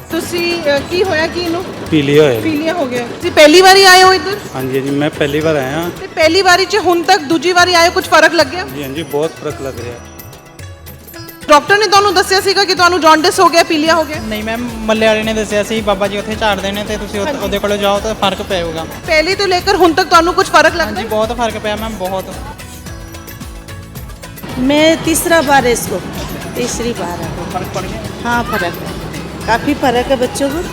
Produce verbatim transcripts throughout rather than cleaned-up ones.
ਤੁਸੀਂ ਅ, ਕੀ ਹੋਇਆ ਕੀ ਇਹਨੂੰ ਪੀਲੀਆ ਹੋਇਆ। ਪੀਲੀਆ ਹੋ ਗਿਆ। ਤੁਸੀਂ ਪਹਿਲੀ ਵਾਰੀ ਆਏ ਹੋ ਇੱਧਰ? ਹਾਂਜੀ ਜੀ ਮੈਂ ਪਹਿਲੀ ਵਾਰ ਆਇਆ। ਤੇ ਪਹਿਲੀ ਵਾਰੀ ਚ ਹੁਣ ਤੱਕ ਦੂਜੀ ਵਾਰੀ ਆਏ ਕੁਝ ਫਰਕ ਲੱਗਿਆ? ਜੀ ਹਾਂਜੀ ਬਹੁਤ ਫਰਕ ਲੱਗ ਰਿਹਾ। ਡਾਕਟਰ ਨੇ ਤੁਹਾਨੂੰ ਦੱਸਿਆ ਸੀਗਾ ਕਿ ਤੁਹਾਨੂੰ ਜੌਂਡਿਸ ਹੋ ਗਿਆ, ਪੀਲੀਆ ਹੋ ਗਿਆ? ਨਹੀਂ ਮੈਮ, ਮੱਲੇ ਵਾਲੇ ਨੇ ਦੱਸਿਆ ਸੀ ਬਾਬਾ ਜੀ ਉੱਥੇ ਝਾੜਦੇ ਨੇ ਤੇ ਤੁਸੀਂ ਉੱਥੇ- ਉਹਦੇ ਕੋਲ ਜਾਓ ਤਾਂ ਫਰਕ ਪਏਗਾ। ਪਹਿਲੇ ਤੋਂ ਲੈ ਕੇ ਹੁਣ ਤੱਕ ਤੁਹਾਨੂੰ ਕੁਝ ਫਰਕ लगता ਹਾਂਜੀ है? ਬਹੁਤ ਫਰਕ ਪਿਆ ਮੈਮ, ਬਹੁਤ। मैं तीसरा बार है इसको, तीसरी बार है। ਫਰਕ ਪੜ ਗਿਆ। हाँ फर्क है, काफ़ी फर्क है बच्चों को।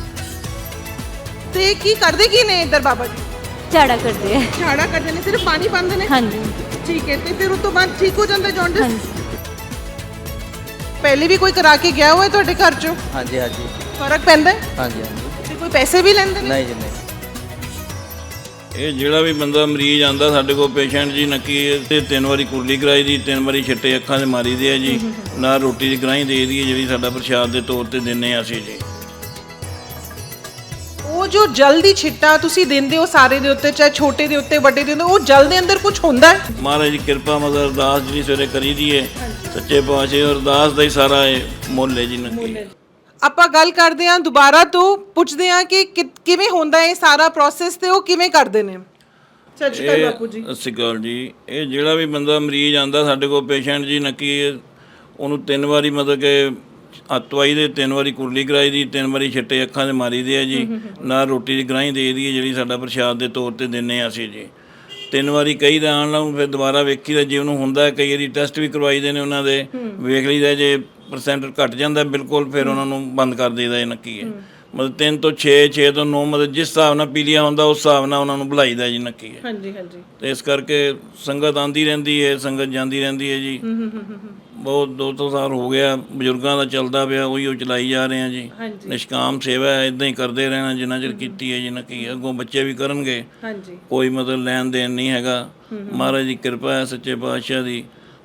ਤੇ ਕੀ ਕਰਦੇ ਕੀ ਨੇ ਇੱਧਰ ਬਾਬਾ ਜੀ? ਝਾੜਾ ਕਰਦੇ ਆ। ਝਾੜਾ ਕਰਦੇ ਨੇ, ਸਿਰਫ ਪਾਣੀ ਪਾਉਂਦੇ ਨੇ? ਹਾਂਜੀ ਠੀਕ ਹੈ। ਤੇ ਫਿਰ ਉਸ ਤੋਂ ਬਾਅਦ ਠੀਕ ਹੋ ਜਾਂਦਾ ਜੌਂਡਿਸ? ਹਾਂਜੀ ਪਹਿਲੇ ਵੀ ਕੋਈ ਕਰਾ ਕੇ ਗਿਆ ਹੋਇਆ ਤੁਹਾਡੇ ਘਰ ਚੋਂ? ਹਾਂਜੀ ਹਾਂਜੀ ਫਰਕ ਪੈਂਦਾ ਹੈ? ਹਾਂਜੀ ਹਾਂਜੀ ਤੇ ਕੋਈ ਪੈਸੇ ਵੀ ਲੈਂਦੇ ਨੇ? ਨਹੀਂ ਜੀ ਨਹੀਂ। ਇਹ ਜਿਹੜਾ ਵੀ ਬੰਦਾ ਮਰੀਜ਼ ਆਂਦਾ ਸਾਡੇ ਕੋਲ ਪੇਸ਼ੈਂਟ ਜੀ ਨੱਕੀ ਤੇ ਤਿੰਨ ਵਾਰੀ ਕੁਰਲੀ ਕਰਾਈ ਦੀ, ਤਿੰਨ ਵਾਰੀ ਛਿੱਟੇ ਅੱਖਾਂ ਦੇ ਮਾਰੀ ਦੇ ਆ ਜੀ, ਨਾਲ ਰੋਟੀ ਦੀ ਗਰਾਹੀਂ ਦੇ ਦੀ ਹੈ ਜਿਹੜੀ ਸਾਡਾ ਪ੍ਰਸ਼ਾਦ ਦੇ ਤੌਰ ਤੇ ਦਿੰਨੇ ਆ ਅਸੀਂ ਜੀ। ਉਹ ਜੋ ਜਲਦੀ ਛਿੱਟਾ ਤੁਸੀਂ ਦਿੰਦੇ ਹੋ ਸਾਰੇ ਦੇ ਉੱਤੇ, ਚਾਹੇ ਛੋਟੇ ਦੇ ਉੱਤੇ ਵੱਡੇ ਦੇ ਉੱਤੇ, ਉਹ ਜਲ ਦੇ ਅੰਦਰ ਕੁਝ ਹੁੰਦਾ ਹੈ? ਮਹਾਰਾਜ ਦੀ ਕਿਰਪਾ ਮਦਰ ਅਰਦਾਸ ਜਿਹੜੀ ਸਵੇਰੇ ਕਰੀ ਦੀ ਹੈ ਸੱਚੇ ਪਾਤਸ਼ਾਹ, ਅਰਦਾਸ ਦਾ ਹੀ ਸਾਰਾ ਇਹ ਮੁੱਲ ਹੈ ਜੀ ਨੱਕੀ। ਆਪਾਂ ਗੱਲ ਕਰਦੇ ਹਾਂ ਦੁਬਾਰਾ ਤੋਂ, ਪੁੱਛਦੇ ਹਾਂ ਕਿ ਕਿ- ਕਿਵੇਂ ਹੁੰਦਾ ਹੈ ਇਹ ਸਾਰਾ ਪ੍ਰੋਸੈਸ ਤੇ ਉਹ ਕਿਵੇਂ ਕਰਦੇ ਨੇ। ਸਤਿ ਸ਼੍ਰੀ ਅਕਾਲ ਬਾਪੂ ਜੀ। ਸਤਿ ਸ਼੍ਰੀ ਅਕਾਲ ਜੀ। ਇਹ ਜਿਹੜਾ ਵੀ ਬੰਦਾ ਮਰੀਜ਼ ਆਂਦਾ ਸਾਡੇ ਕੋਲ ਪੇਸ਼ੈਂਟ ਜੀ ਨੱਕੀ, ਉਹਨੂੰ ਤਿੰਨ ਵਾਰੀ ਮਤਲਬ ਕਿ ਅਤਵਾਈ ਦੇ ਤਿੰਨ ਵਾਰੀ ਕੁਰਲੀ ਕਰਾਈ ਦੀ, ਤਿੰਨ ਵਾਰੀ ਛਿੱਟੇ ਅੱਖਾਂ ਦੇ ਮਾਰੀ ਦੇ ਆ ਜੀ, ਨਾਲ ਰੋਟੀ ਦੀ ਗਰਾਹੀਂ ਦੇ ਦੀ ਹੈ ਜਿਹੜੀ ਸਾਡਾ ਪ੍ਰਸ਼ਾਦ ਦੇ ਤੌਰ ਤੇ ਦਿੰਨੇ ਆ ਅਸੀਂ ਜੀ। ਤਿੰਨ ਵਾਰੀ ਕਈ ਦਾ ਆਉਣ ਨੂੰ ਫਿਰ ਦੁਬਾਰਾ ਵੇਖੀਦਾ ਜੇ ਉਹਨੂੰ ਹੁੰਦਾ, ਕਈ ਵਾਰੀ ਟੈਸਟ ਵੀ ਕਰਵਾਈਦੇ ਨੇ ਉਹਨਾਂ ਦੇ, ਵੇਖ ਲਈਦਾ ਜੇ ਪਰਸੈਂਟ ਘਟ ਜਾਂਦਾ ਬਿਲਕੁਲ ਫਿਰ ਉਹਨਾਂ ਨੂੰ ਬੰਦ ਕਰ ਦੇਈਦਾ। ਇਹ ਨੱਕੀ ਹੈ ਮਤਲਬ ਤਿੰਨ ਤੋਂ ਛੇ, ਛੇ ਤੋਂ ਨੌ, ਮਤਲਬ ਜਿਸ ਹਿਸਾਬ ਨਾਲ ਪੀਲੀਆ ਹੁੰਦਾ ਉਸ ਹਿਸਾਬ ਨਾਲ ਉਹਨਾਂ ਨੂੰ ਬੁਲਾਈਦਾ ਜੀ ਨੱਕੀ ਹੈ। ਹਾਂਜੀ ਹਾਂਜੀ। ਤੇ ਇਸ ਕਰਕੇ ਸੰਗਤ ਆਂਦੀ ਰਹਿੰਦੀ ਹੈ, ਸੰਗਤ ਜਾਂਦੀ ਰਹਿੰਦੀ ਹੈ ਜੀ। ਬਹੁਤ ਦੋ ਦੋ ਸਾਲ ਹੋ ਗਿਆ ਬਜ਼ੁਰਗਾਂ ਦਾ ਚੱਲਦਾ ਪਿਆ, ਉਹੀ ਉਹ ਚਲਾਈ ਜਾ ਰਹੇ ਆ ਜੀ। ਨਿਸ਼ਕਾਮ ਸੇਵਾ ਹੈ, ਇਦਾਂ ਹੀ ਕਰਦੇ ਰਹਿਣਾ ਜਿੰਨਾ ਚਿਰ ਕੀਤੀ ਹੈ ਜੀ ਨੱਕੀ। ਅੱਗੋਂ ਬੱਚੇ ਵੀ ਕਰਨਗੇ, ਹਾਂਜੀ। ਕੋਈ ਮਤਲਬ ਲੈਣ ਦੇਣ ਨਹੀਂ ਹੈਗਾ। ਮਹਾਰਾਜ ਦੀ ਕਿਰਪਾ ਹੈ ਸੱਚੇ ਪਾਤਸ਼ਾਹ ਦੀ,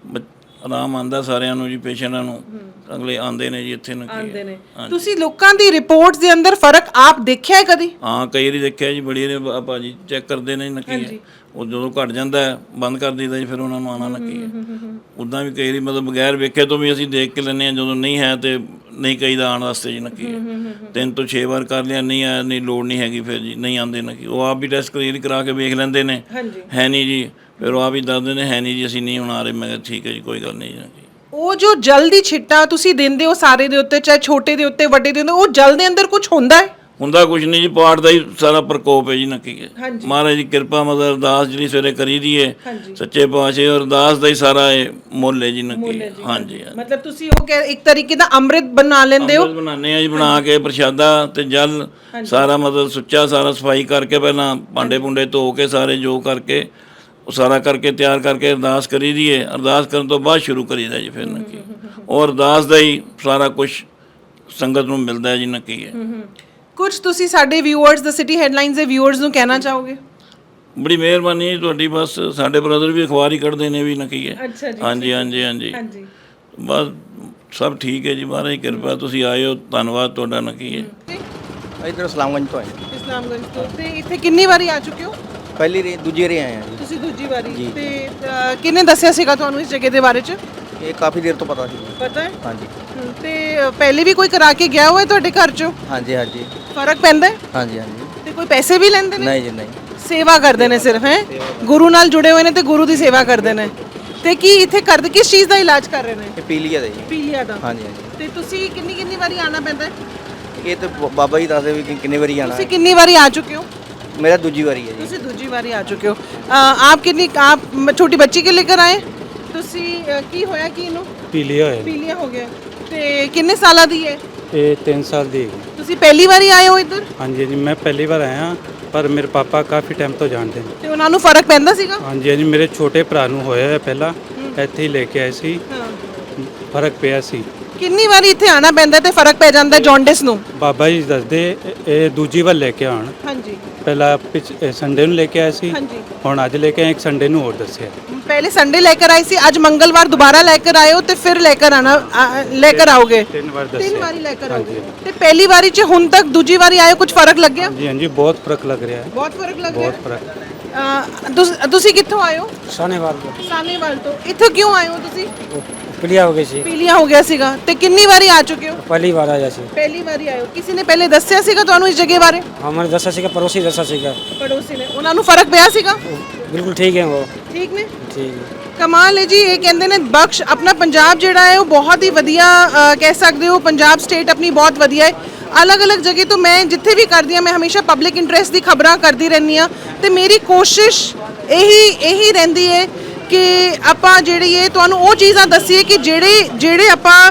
ਆਰਾਮ ਆਂਦਾ ਸਾਰਿਆਂ ਨੂੰ ਜੀ, ਪੇਸ਼ੈਂਟਾਂ ਨੂੰ। ਅਗਲੇ ਆਂਦੇ ਨੇ ਜੀ ਇੱਥੇ ਨੱਕੀ ਆਂਦੇ ਨੇ। ਤੁਸੀਂ ਲੋਕਾਂ ਦੀ ਰਿਪੋਰਟਸ ਦੇ ਅੰਦਰ ਫਰਕ ਆਪ ਦੇਖਿਆ ਹੈ ਕਦੀ? ਹਾਂ ਕਈ ਵਾਰੀ ਦੇਖਿਆ ਜੀ, ਬੜੀ ਨੇ ਭਾਜੀ ਚੈੱਕ ਕਰਦੇ ਨੇ ਨੱਕੀ ਹੈ, ਉਹ ਜਦੋਂ ਘਟ ਜਾਂਦਾ ਹੈ ਬੰਦ ਕਰ ਦਿੰਦਾ ਜੀ, ਫਿਰ ਉਹਨਾਂ ਨੂੰ ਆਉਣਾ ਨੱਕੀ ਹੈ। ਉੱਦਾਂ ਵੀ ਕਈ ਵਾਰੀ ਮਤਲਬ ਬਗੈਰ ਵੇਖੇ ਤੋਂ ਵੀ ਅਸੀਂ ਦੇਖ ਕੇ ਲੈਂਦੇ ਹਾਂ, ਜਦੋਂ ਨਹੀਂ ਹੈ ਤੇ ਨਹੀਂ ਕਹੀਦਾ ਆਉਣ ਵਾਸਤੇ ਜੀ ਨੱਕੀ ਹੈ। ਤਿੰਨ ਤੋਂ ਛੇ ਵਾਰ ਕਰ ਲਿਆ, ਨਹੀਂ ਆਇਆ, ਨਹੀਂ ਲੋੜ ਨਹੀਂ ਹੈਗੀ, ਫਿਰ ਜੀ ਨਹੀਂ ਆਉਂਦੇ ਨੱਕੀ। ਉਹ ਆਪ ਵੀ ਟੈਸਟ ਕਲੀਅਰ ਕਰਾ ਕੇ ਵੇਖ ਲੈਂਦੇ ਨੇ, ਹੈ ਨਹੀਂ ਜੀ, ਫਿਰ ਉਹ ਆਪ ਹੀ ਦੱਸਦੇ ਨੇ ਹੈ ਨਹੀਂ ਜੀ, ਅਸੀਂ ਨਹੀਂ ਹੁਣ ਆ ਰਹੇ। ਮੈਂ ਕਿਹਾ ਠੀਕ ਹੈ ਜੀ, ਕੋਈ ਗੱਲ ਨਹੀਂ ਜੀ। ਉਹ ਜੋ ਜਲਦੀ ਛਿੱਟਾ ਤੁਸੀਂ ਦਿੰਦੇ ਹੋ ਸਾਰੇ ਦੇ ਉੱਤੇ, ਚਾਹੇ ਛੋਟੇ ਦੇ ਉੱਤੇ ਵੱਡੇ ਦੇ ਉੱਤੇ, ਉਹ ਜਲ ਦੇ ਅੰਦਰ ਕੁਝ ਹੁੰਦਾ ਹੈ? ਹੁੰਦਾ ਕੁਝ ਨਹੀਂ ਜੀ, ਪਾਠ ਦਾ ਹੀ ਸਾਰਾ ਪ੍ਰਕੋਪ ਹੈ ਜੀ ਨੱਕੀ ਹੈ। ਮਹਾਰਾਜ ਦੀ ਕਿਰਪਾ ਮਦਰ ਅਰਦਾਸ ਜਿਹੜੀ ਸਵੇਰੇ ਕਰੀ ਦੀ ਹੈ ਸੱਚੇ ਪਾਤਸ਼ਾਹ, ਅਰਦਾਸ ਦਾ ਹੀ ਸਾਰਾ ਇਹ ਮੁੱਲ ਹੈ ਜੀ ਨੱਕੀ। ਹਾਂਜੀ ਮਤਲਬ ਤੁਸੀਂ ਉਹ ਇੱਕ ਤਰੀਕੇ ਦਾ ਅੰਮ੍ਰਿਤ ਬਣਾ ਲੈਂਦੇ ਹੋ? ਬਣਾਉਂਦੇ ਆ ਜੀ, ਬਣਾ ਕੇ ਪ੍ਰਸ਼ਾਦਾ ਤੇ ਜਲ ਸਾਰਾ ਮਤਲਬ ਸੁੱਚਾ ਸਾਰਾ ਸਫਾਈ ਕਰਕੇ, ਪਹਿਲਾਂ ਭਾਂਡੇ ਭੁੰਡੇ ਧੋ ਕੇ ਸਾਰੇ ਜੋ ਕਰਕੇ ਉਹ ਸਾਰਾ ਕਰਕੇ ਤਿਆਰ ਕਰਕੇ ਅਰਦਾਸ ਕਰੀ ਦੀ ਹੈ। ਅਰਦਾਸ ਕਰਨ ਤੋਂ ਬਾਅਦ ਸ਼ੁਰੂ ਕਰੀਦਾ ਜੀ ਫਿਰ ਨੱਕੀ। ਉਹ ਅਰਦਾਸ ਦਾ ਹੀ ਸਾਰਾ ਕੁਝ ਸੰਗਤ ਨੂੰ ਮਿਲਦਾ ਹੈ ਜੀ ਨੱਕੀ ਹੈ। ਕੁਝ ਤੁਸੀਂ ਸਾਡੇ ਵਿਊਅਰਸ, ਦ ਸਿਟੀ ਹੈਡਲਾਈਨਸ ਦੇ ਵਿਊਅਰਸ ਨੂੰ ਕਹਿਣਾ ਚਾਹੋਗੇ? ਬੜੀ ਮਿਹਰਬਾਨੀ ਤੁਹਾਡੀ, ਬਸ ਸਾਡੇ ਬ੍ਰਦਰ ਵੀ ਅਖਬਾਰ ਹੀ ਕੱਢਦੇ ਨੇ ਵੀ ਨੱਕੀ ਹੈ। ਹਾਂਜੀ ਹਾਂਜੀ ਹਾਂਜੀ, ਬਸ ਸਭ ਠੀਕ ਹੈ ਜੀ, ਮਹਾਰਾਜ ਦੀ ਕਿਰਪਾ। ਤੁਸੀਂ ਆਏ ਹੋ, ਧੰਨਵਾਦ ਤੁਹਾਡਾ ਨੱਕੀ ਹੈ। ਇੱਧਰ ਇਸਲਾਮਗੰਜ ਤੋਂ ਆਏ। ਇਸਲਾਮਗੰਜ ਤੋਂ। ਤੇ ਇੱਥੇ ਕਿੰਨੀ ਵਾਰੀ ਆ ਚੁੱਕੇ ਹੋ? ਪਹਿਲੀ ਰੇ ਦੂਜੀ ਰੇ ਆਏ ਆ ਜੀ। ਤੁਸੀਂ ਦੂਜੀ ਵਾਰੀ। ਤੇ ਅ, ਕਿਹਨੇ ਦੱਸਿਆ ਸੀਗਾ ਤੁਹਾਨੂੰ ਇਸ ਜਗ੍ਹਾ ਦੇ ਬਾਰੇ ਚ? ਇਹ ਕਾਫੀ ਦੇਰ ਤੋਂ ਪਤਾ ਸੀ। ਪਤਾ ਹੈ? ਹਾਂਜੀ। ਤੇ ਪਹਿਲੇ ਵੀ ਕੋਈ ਕਰਾ ਕੇ ਗਿਆ ਹੋਇਆ ਤੁਹਾਡੇ ਘਰ ਚੋਂ? ਹਾਂਜੀ ਹਾਂਜੀ ਫਰਕ ਪੈਂਦਾ ਹੈ? ਹਾਂਜੀ ਹਾਂਜੀ। ਤੇ ਕੋਈ ਪੈਸੇ ਵੀ ਲੈਂਦੇ ਨੇ? ਨਹੀਂ ਜੀ ਨਹੀਂ। ਸੇਵਾ ਕਰਦੇ ਨੇ ਸਿਰਫ, ਹੈ ਗੁਰੂ ਨਾਲ ਜੁੜੇ ਹੋਏ ਨੇ ਤੇ ਗੁਰੂ ਦੀ ਸੇਵਾ ਕਰਦੇ ਨੇ। ਤੇ ਕੀ ਇੱਥੇ ਕਰਦੇ, ਕਿਸ ਚੀਜ਼ ਦਾ ਇਲਾਜ ਕਰ ਰਹੇ ਨੇ? ਇਹ ਪੀਲੀਆ ਦਾ ਜੀ। ਪੀਲੀਆ ਦਾ। ਹਾਂਜੀ ਹਾਂਜੀ। ਤੇ ਤੁਸੀਂ ਕਿੰਨੀ ਕਿੰਨੀ ਵਾਰੀ ਆਣਾ ਪੈਂਦਾ ਹੈ? ਇਹ ਤਾਂ ਬ- ਬਾਬਾ ਜੀ ਦੱਸਦੇ ਵੀ ਕਿ ਕਿੰਨੇ ਵਾਰੀ ਆਣਾ। ਤੁਸੀਂ ਕਿੰਨੀ ਵਾਰੀ ਆ ਚੁੱਕੇ ਹੋ? ਮੇਰਾ ਦੂਜੀ ਵਾਰੀ ਹੈ ਜੀ। ਤੁਸੀਂ ਦੂਜੀ ਵਾਰੀ ਆ ਚੁੱਕੇ ਹੋ। ਆਪ ਕਿੰਨੀ ਆਪ ਛੋਟੀ ਬੱਚੀ ਕੇ लेकर ਆਏ? ਤੁਸੀਂ ਅ, ਕੀ ਹੋਇਆ ਕੀ ਇਹਨੂੰ? ਪੀਲੀਆ ਹੋਇਆ। ਪੀਲੀਆ ਹੋ ਗਿਆ। ਤੇ ਕਿੰਨੇ ਸਾਲਾਂ ਦੀ ਹੈ? ਇਹ ਤਿੰਨ ਸਾਲ ਦੀ ਹੈਗੀ। ਤੁਸੀਂ ਪਹਿਲੀ ਵਾਰੀ ਆਏ ਹੋ ਇੱਧਰ? ਹਾਂਜੀ ਜੀ ਮੈਂ ਪਹਿਲੀ ਵਾਰ ਆਇਆ, ਪਰ ਮੇਰੇ ਪਾਪਾ ਕਾਫੀ ਟਾਈਮ ਤੋਂ ਜਾਣਦੇ ਨੇ। ਤੇ ਉਹਨਾਂ ਨੂੰ ਫਰਕ ਪੈਂਦਾ ਸੀਗਾ? ਹਾਂਜੀ ਹਾਂਜੀ, ਮੇਰੇ ਛੋਟੇ ਭਰਾ ਨੂੰ ਹੋਇਆ ਹੈ ਪਹਿਲਾਂ, ਇੱਥੇ ਹੀ ਲੈ ਕੇ ਆਏ ਸੀ, ਫਰਕ ਪਿਆ ਸੀ। ਕਿੰਨੀ ਵਾਰੀ ਇੱਥੇ ਆਣਾ ਪੈਂਦਾ ਤੇ ਫਰਕ ਪੈ ਜਾਂਦਾ ਜੌਂਡਿਸ ਨੂੰ? ਬਾਬਾ ਜੀ ਦੱਸਦੇ ਇਹ ਦੂਜੀ ਵਾਰ ਲੈ ਕੇ ਆਉਣ। ਹਾਂਜੀ। ਪਹਿਲਾਂ ਪਿਛ ਸੰਡੇ ਨੂੰ ਲੈ ਕੇ ਆਏ ਸੀ, ਹਾਂਜੀ। ਹੁਣ ਅੱਜ ਲੈ ਕੇ ਆਏ, ਇੱਕ ਸੰਡੇ ਨੂੰ ਹੋਰ ਦੱਸਿਆ। पहले संडे लेकर आई सी, आज मंगलवार दोबारा लेकर आए हो तो फिर लेकर आना लेकर आओगे? तीन बार तीन बारी लेकर आओगे। तो पहली बारी च हुन तक दूजी बारी आए हो, कुछ फर्क लग गया? जी हाँ जी, बहुत फर्क लग रहा है। बहुत फर्क लग बहुत गया। फर्क। तुसी कित्थों आए हो? सानेवाल ਤੋਂ। सानेवाल तो। इत्थे क्यों आए हो तुसी? ਪੀਲੀਆ ਹੋ ਗਈ ਸੀ। ਪੀਲੀਆ ਹੋ ਗਿਆ ਸੀਗਾ ਤੇ ਕਿੰਨੀ ਵਾਰੀ ਆ ਚੁੱਕੇ ਹੋ? ਪਹਿਲੀ ਵਾਰ ਆਇਆ ਸੀ। ਪਹਿਲੀ ਵਾਰੀ ਆਏ ਹੋ। ਕਿਸੇ ਨੇ ਪਹਿਲੇ ਦੱਸਿਆ ਸੀਗਾ ਤੁਹਾਨੂੰ ਇਸ ਜਗ੍ਹਾ ਬਾਰੇ? ਹਾਂ ਮੈਨੂੰ ਦੱਸਿਆ ਸੀਗਾ, ਪੜੋਸੀ ਦੱਸਿਆ ਸੀਗਾ। ਪੜੋਸੀ ਨੇ, ਉਹਨਾਂ ਨੂੰ ਫਰਕ ਪਿਆ ਸੀਗਾ? ਬਿਲਕੁਲ ਠੀਕ ਹੈ ਉਹ। ਠੀਕ ਨੇ, ਠੀਕ ਹੈ। ਕਮਾਲ ਹੈ ਜੀ। ਇਹ ਕਹਿੰਦੇ ਨੇ ਬਖਸ਼ ਆਪਣਾ ਪੰਜਾਬ ਜਿਹੜਾ ਹੈ ਉਹ ਬਹੁਤ ਹੀ ਵਧੀਆ ਅ, ਕਹਿ ਸਕਦੇ ਹੋ ਪੰਜਾਬ ਸਟੇਟ ਆਪਣੀ ਬਹੁਤ ਵਧੀਆ ਹੈ। ਅਲੱਗ-ਅਲੱਗ ਜਗ੍ਹਾ ਤੋਂ ਮੈਂ ਜਿੱਥੇ ਵੀ ਕਰਦੀ ਹਾਂ ਮੈਂ ਹਮੇਸ਼ਾ ਪਬਲਿਕ ਇੰਟਰਸਟ ਦੀ ਖਬਰਾਂ ਕਰਦੀ ਰਹਿੰਦੀ ਹਾਂ ਤੇ ਮੇਰੀ ਕੋਸ਼ਿਸ਼ ਇਹੀ ਇਹੀ ਰਹਿੰਦੀ ਹੈ ਕਿ ਆਪਾਂ ਜਿਹੜੀ ਇਹ ਤੁਹਾਨੂੰ ਉਹ ਚੀਜ਼ਾਂ ਦੱਸੀਏ ਕਿ ਜਿਹੜੇ ਜਿਹੜੇ ਆਪਾਂ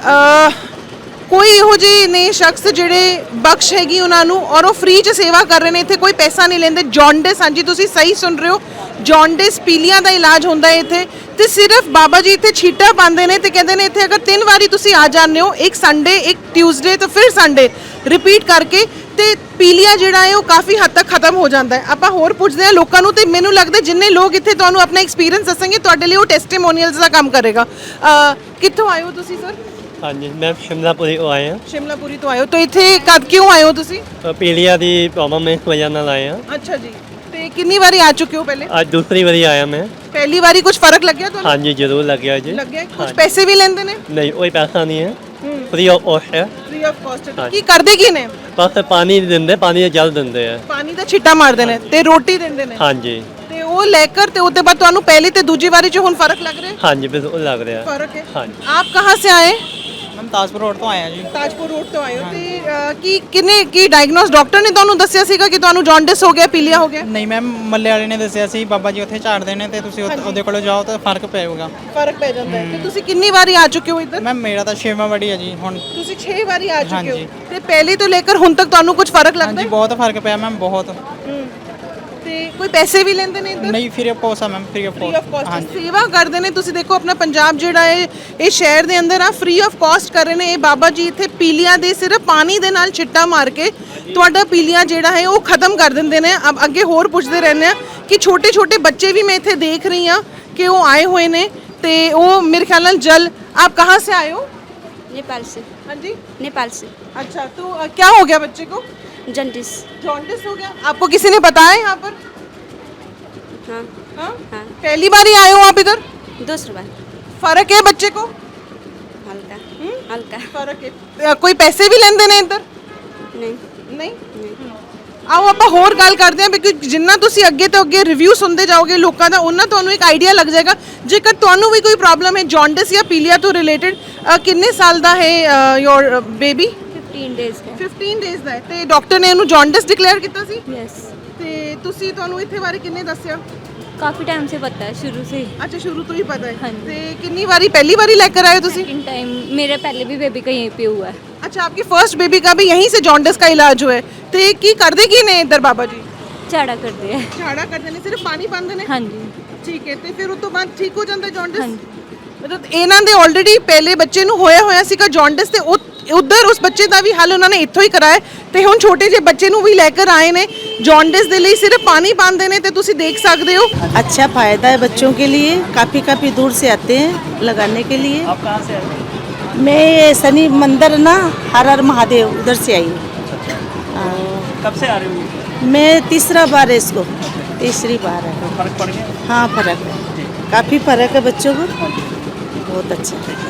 ਅ, ਕੋਈ ਇਹੋ ਜਿਹੇ ਨੇ ਸ਼ਖਸ ਜਿਹੜੇ ਬਖਸ਼ ਹੈਗੀ ਉਹਨਾਂ ਨੂੰ ਔਰ ਉਹ ਫ੍ਰੀ 'ਚ ਸੇਵਾ ਕਰ ਰਹੇ ਨੇ, ਇੱਥੇ ਕੋਈ ਪੈਸਾ ਨਹੀਂ ਲੈਂਦੇ। ਜੌਂਡਿਸ, ਹਾਂਜੀ ਤੁਸੀਂ ਸਹੀ ਸੁਣ ਰਹੇ ਹੋ, ਜੌਂਡਿਸ ਪੀਲੀਆਂ ਦਾ ਇਲਾਜ ਹੁੰਦਾ ਹੈ ਇੱਥੇ ਤੇ ਸਿਰਫ ਬਾਬਾ ਜੀ ਇੱਥੇ ਛੀਟਾ ਪਾਉਂਦੇ ਨੇ ਤੇ ਕਹਿੰਦੇ ਨੇ ਇੱਥੇ ਅਗਰ ਤਿੰਨ ਵਾਰੀ ਤੁਸੀਂ ਆ ਜਾਂਦੇ ਹੋ, ਇੱਕ ਸੰਡੇ, ਇੱਕ ਟਿਊਜ਼ਡੇ ਤੇ ਫਿਰ ਸੰਡੇ ਰਿਪੀਟ ਕਰਕੇ ਤੇ ਪੀਲੀਆ ਜਿਹੜਾ ਹੈ ਉਹ ਕਾਫੀ ਹੱਦ ਤੱਕ ਖਤਮ ਹੋ ਜਾਂਦਾ ਹੈ। ਆਪਾਂ ਹੋਰ ਪੁੱਛਦੇ ਹਾਂ ਲੋਕਾਂ ਨੂੰ ਤੇ ਮੈਨੂੰ ਲੱਗਦਾ ਜਿੰਨੇ ਲੋਕ ਇੱਥੇ ਤੁਹਾਨੂੰ ਆਪਣਾ ਐਕਸਪੀਰੀਅੰਸ ਦੱਸਣਗੇ ਤੁਹਾਡੇ ਲਈ ਉਹ ਟੈਸਟੀਮੋਨੀਅਲਸ ਦਾ ਕੰਮ ਕਰੇਗਾ। ਅ, ਕਿੱਥੋਂ ਆਏ ਹੋ ਤੁਸੀਂ ਸਰ? ਹਾਂਜੀ ਮੈਂ ਸ਼ਿਮਲਾਪੁਰੀ ਤੋਂ ਆਏ ਹਾਂ। ਸ਼ਿਮਲਾਪੁਰੀ ਤੋਂ ਆਏ ਹੋ ਤਾਂ ਇੱਥੇ ਕਦ ਕਿਉਂ ਆਏ ਹੋ ਤੁਸੀਂ? ਅ, ਪੀਲੀਆ ਦੀ ਪ੍ਰੋਬਲਮ ਇਸ ਵਜ੍ਹਾ ਨਾਲ ਆਏ ਹਾਂ। ਅੱਛਾ ਜੀ, ਤੇ ਕਿੰਨੀ ਵਾਰੀ ਆ ਚੁੱਕੇ ਹੋ ਪਹਿਲੇ? ਅੱਜ ਦੂਸਰੀ ਵਾਰੀ ਆਇਆ ਮੈਂ। ਪਹਿਲੀ ਵਾਰੀ ਕੁਝ ਫਰਕ ਲੱਗਿਆ ਤੁਹਾਨੂੰ? ਹਾਂਜੀ ਜ਼ਰੂਰ ਲੱਗਿਆ ਜੀ। ਲੱਗਿਆ? ਕੁਝ ਪੈਸੇ ਵੀ ਲੈਂਦੇ ਨੇ? ਨਹੀਂ ਕੋਈ ਪੈਸਾ ਨਹੀਂ ਹੈ, ਫ੍ਰੀ ਆਫ ਕਾਸਟ ਹੈ। Free of cost. ਕੀ ਕਰਦੇ ਕੀ ਨੇ? ਬਸ ਪਾਣੀ ਦਿੰਦੇ, ਪਾਣੀ ਦਾ ਜਲ ਦਿੰਦੇ ਆ। ਪਾਣੀ ਦਾ ਛਿੱਟਾ ਮਾਰਦੇ ਨੇ ਤੇ ਰੋਟੀ ਦਿੰਦੇ ਨੇ। ਹਾਂਜੀ ਤੇ ਉਹ ਲੈ ਕਰ ਤੇ ਉਹਦੇ ਬਾਅਦ ਤੁਹਾਨੂੰ ਪਹਿਲੀ ਤੇ ਦੂਜੀ ਵਾਰੀ 'ਚ ਹੁਣ ਫਰਕ ਲੱਗ ਰਿਹਾ ਹੈ? ਹਾਂਜੀ ਬਿਲਕੁਲ ਲੱਗ ਰਿਹਾ। फर्क है। ਹਾਂਜੀ आप कहाँ से आए? ਮੈਮ ਤਾਜਪੁਰ ਰੋਡ ਤੋਂ ਆਇਆ ਜੀ। ਤਾਜਪੁਰ ਰੋਡ ਤੋਂ ਆਏ ਹੋ ਤੇ ਅ, ਕੀ ਕਿੰਨੇ ਕੀ ਡਾਇਗਨੋਸ ਡਾਕਟਰ ਨੇ ਤੁਹਾਨੂੰ ਦੱਸਿਆ ਸੀਗਾ ਕਿ ਤੁਹਾਨੂੰ ਜੌਂਡਿਸ ਹੋ ਗਿਆ, ਪੀਲੀਆ ਹੋ ਗਿਆ? ਨਹੀਂ ਮੈਮ ਮੱਲੇ ਵਾਲੇ ਨੇ ਦੱਸਿਆ ਸੀ ਬਾਬਾ ਜੀ ਉੱਥੇ ਝਾੜਦੇ ਨੇ ਤੇ ਤੁਸੀਂ ਉੱਥੇ- ਉਹਦੇ ਕੋਲ ਜਾਓ ਤਾਂ ਫਰਕ ਪਏਗਾ। ਫਰਕ ਪੈ ਜਾਂਦਾ ਹੈ। ਤੇ ਤੁਸੀਂ ਕਿੰਨੀ ਵਾਰੀ ਆ ਚੁੱਕੇ ਹੋ ਇੱਧਰ? ਮੈਮ ਮੇਰਾ ਤਾਂ ਛੇਵਾਂ ਵਾਰੀ ਹੈ ਜੀ ਹੁਣ। ਤੁਸੀਂ ਛੇ ਵਾਰੀ ਆ ਚੁੱਕੇ ਹੋ ਹਾਂਜੀ। ਤੇ ਪਹਿਲੇ ਤੋਂ ਲੈ ਕੇ ਹੁਣ ਤੱਕ ਤੁਹਾਨੂੰ ਕੁਝ ਫਰਕ ਲੱਗਦਾ ਹਾਂਜੀ ਹੈ? ਬਹੁਤ ਫਰਕ ਪਿਆ ਮੈਮ ਬਹੁਤ। ਹੂੰ। ਤੇ ਕੋਈ ਪੈਸੇ ਵੀ ਲੈਂਦੇ ਨੇ ਇੱਧਰ? ਨਹੀਂ ਫ੍ਰੀ ਆਫ ਕਾਸਟ ਆ ma'am, free of free of cost. Cost ਹਾਂਜੀ ਸੇਵਾ ਕਰਦੇ ਨੇ। ਤੁਸੀਂ ਦੇਖੋ ਆਪਣਾ ਪੰਜਾਬ ਜਿਹੜਾ ਹੈ ਇਹ ਸ਼ਹਿਰ ਦੇ ਅੰਦਰ ਆ ਫ੍ਰੀ ਆਫ ਕਾਸਟ ਕਰ ਰਹੇ ਨੇ ਇਹ ਬਾਬਾ ਜੀ ਇੱਥੇ ਪੀਲੀਆਂ ਦੇ ਸਿਰਫ ਪਾਣੀ ਦੇ ਨਾਲ ਛਿੱਟਾ ਮਾਰ ਕੇ ਤੁਹਾਡਾ ਪੀਲੀਆਂ ਜਿਹੜਾ ਹੈ ਉਹ ਖਤਮ ਕਰ ਦਿੰਦੇ ਨੇ। ਅਬ ਅੱਗੇ ਹੋਰ ਪੁੱਛਦੇ ਰਹਿੰਦੇ ਆ ਕਿ ਛੋਟੇ ਛੋਟੇ ਬੱਚੇ ਵੀ ਮੈਂ ਇੱਥੇ ਦੇਖ ਰਹੀ ਹਾਂ ਕਿ ਉਹ ਆਏ ਹੋਏ ਨੇ ਤੇ ਉਹ ਮੇਰੇ ਖਿਆਲ ਨਾਲ ਜਲ। ਆਪ ਕਹਾਂ से आए हो? नेपाल से। हाँ जी, नेपाल से। अच्छा तो अ, क्या हो गया बच्चे को? जन्डिस। जॉन्डिस हो गया। आपको किसी ने बताया यहाँ पर? हाँ हाँ? हाँ पहली बार ही आए हो आप इधर? दूसरी बार। फर्क है बच्चे को? हल्का हम्म? हल्का। फर्क है। अ, कोई पैसे भी लेंदे ने इधर? नहीं ਨਹੀਂ। ਆਓ ਆਪਾਂ ਹੋਰ ਗੱਲ ਕਰਦੇ ਹਾਂ ਕਿਉਂਕਿ ਜਿੰਨਾ ਤੁਸੀਂ ਅੱਗੇ ਤੋਂ ਅੱਗੇ ਰਿਵਿਊ ਸੁਣਦੇ ਜਾਓਗੇ ਲੋਕਾਂ ਦਾ ਉਹਨਾਂ ਤੁਹਾਨੂੰ ਇੱਕ ਆਈਡੀਆ ਲੱਗ ਜਾਏਗਾ। ਜੇਕਰ ਤੁਹਾਨੂੰ ਵੀ ਕੋਈ ਪ੍ਰੋਬਲਮ ਹੈ ਜੌਂਡਿਸ ਜਾਂ ਪੀਲੀਆ ਤੋਂ ਰਿਲੇਟਡ, ਕਿੰਨੇ ਸਾਲ ਦਾ ਹੈ ਯੋਰ ਬੇਬੀ? फिफ्टीन डेज का। ਫਿਫਟੀਨ ਡੇਜ਼ ਦਾ ਹੈ ਤੇ ਡਾਕਟਰ ਨੇ ਇਹਨੂੰ ਜੌਂਡਿਸ ਡਿਕਲੇਅਰ ਕੀਤਾ ਸੀ यस। ਤੇ ਤੁਸੀਂ ਤੁਹਾਨੂੰ ਇੱਥੇ ਬਾਰੇ ਕਿੰਨੇ ਦੱਸਿਆ? काफ़ी टाइम से पता है, शुरू से ही। ਅੱਛਾ ਸ਼ੁਰੂ ਤੋਂ ਹੀ ਪਤਾ ਹੈ। ਹਾਂਜੀ। ਤੇ ਕਿੰਨੀ ਵਾਰੀ ਪਹਿਲੀ ਵਾਰੀ ਲੈ ਕੇ ਆਏ ਹੋ ਤੁਸੀਂ? सेकंड टाइम मेरा पहले भी बेबी का यहीं पे हुआ है। अच्छा आपकी फर्स्ट बेबी का भी यहीं से जॉन्डिस का इलाज हुआ है ਤੇ ਕੀ ਕਰਦੇ ਕੀ ਨੇ ਇੱਧਰ ਬਾਬਾ ਜੀ? झाड़ा कर दिया है। ਝਾੜਾ ਕਰਦੇ ਨੇ, ਸਿਰਫ ਪਾਣੀ ਪਾਉਂਦੇ ਨੇ? हाँ जी ਠੀਕ ਹੈ ਤੇ ਫਿਰ ਉਸ ਤੋਂ ਬਾਅਦ ਠੀਕ ਹੋ ਜਾਂਦਾ ਜੌਂਡਿਸ? ਹਾਂਜੀ। ਮਤਲਬ ਇਹਨਾਂ ਦੇ ਆਲਰੇਡੀ ਪਹਿਲੇ ਬੱਚੇ ਨੂੰ ਹੋਇਆ ਹੋਇਆ ਸੀਗਾ ਜੌਂਡਿਸ ਤੇ ਉਧਰ ਉਸ ਬੱਚੇ ਦਾ ਵੀ ਹੱਲ ਉਹਨਾਂ ਨੇ ਇੱਥੋਂ ਹੀ ਕਰਾਇਆ ਤੇ ਹੁਣ ਛੋਟੇ ਜਿਹੇ ਬੱਚੇ ਨੂੰ ਵੀ ਲੈ ਕੇ ਆਏ ਨੇ। ਜੌਂਡਿਸ ਦੇ ਲਈ ਸਿਰਫ ਪਾਣੀ ਪਾਉਂਦੇ ਨੇ ਤੇ ਤੁਸੀਂ ਦੇਖ ਸਕਦੇ ਹੋ। अच्छा फ़ायदा है बच्चों के लिए, काफ़ी काफ़ी दूर से आते हैं लगाने के लिए। आप कहाँ से आए? मैं ये शनि मंदिर ना हर हर महादेव उधर से आई हूँ। हाँ। कब से आ रहे हो? मैं तीसरा बार है इसको, तीसरी बार है। फर्क पड़ गया? हाँ फर्क है, काफ़ी फर्क है बच्चों को, बहुत अच्छा है।